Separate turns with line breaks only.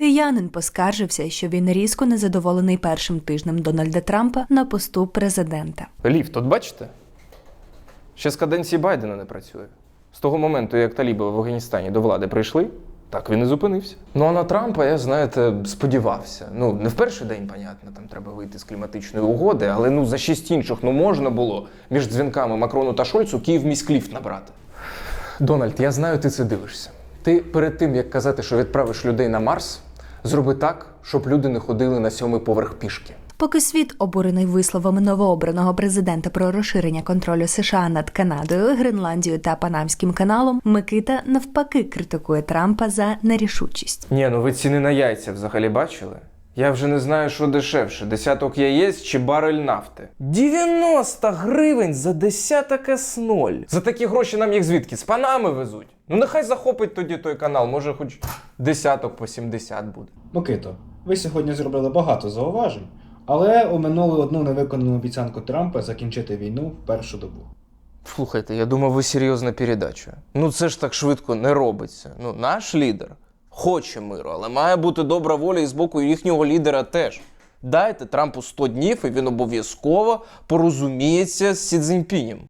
Киянин поскаржився, що він різко незадоволений першим тижнем Дональда Трампа на посту президента.
Ліфт, от бачите? Ще з каденції Байдена не працює. З того моменту, як таліби в Афганістані до влади прийшли, так він і зупинився. Ну а на Трампа я, знаєте, сподівався. Ну, не в перший день, понятно, там треба вийти з кліматичної угоди, але за 6 інших, можна було між дзвінками Макрону та Шольцу Київ міськліфт набрати. Дональд, я знаю, ти це дивишся. Ти перед тим, як казати, що відправиш людей на Марс, зроби так, щоб люди не ходили на 7-й поверх пішки.
Поки світ, обурений висловами новообраного президента про розширення контролю США над Канадою, Гренландією та Панамським каналом, Микита навпаки критикує Трампа за нерішучість.
Ні, ви ціни на яйця взагалі бачили? Я вже не знаю, що дешевше – десяток яєць чи барель нафти. 90 гривень за десяток С0. За такі гроші нам їх звідки? З Панами везуть. Нехай захопить тоді той канал, може хоч десяток по 70 буде.
Микито, ви сьогодні зробили багато зауважень, але оминули одну невиконану обіцянку Трампа закінчити війну в першу добу.
Слухайте, я думав, ви серйозна передача. Це ж так швидко не робиться. Наш лідер хоче миру, але має бути добра воля і з боку їхнього лідера теж. Дайте Трампу 100 днів, і він обов'язково порозуміється з Сі Цзіньпінем.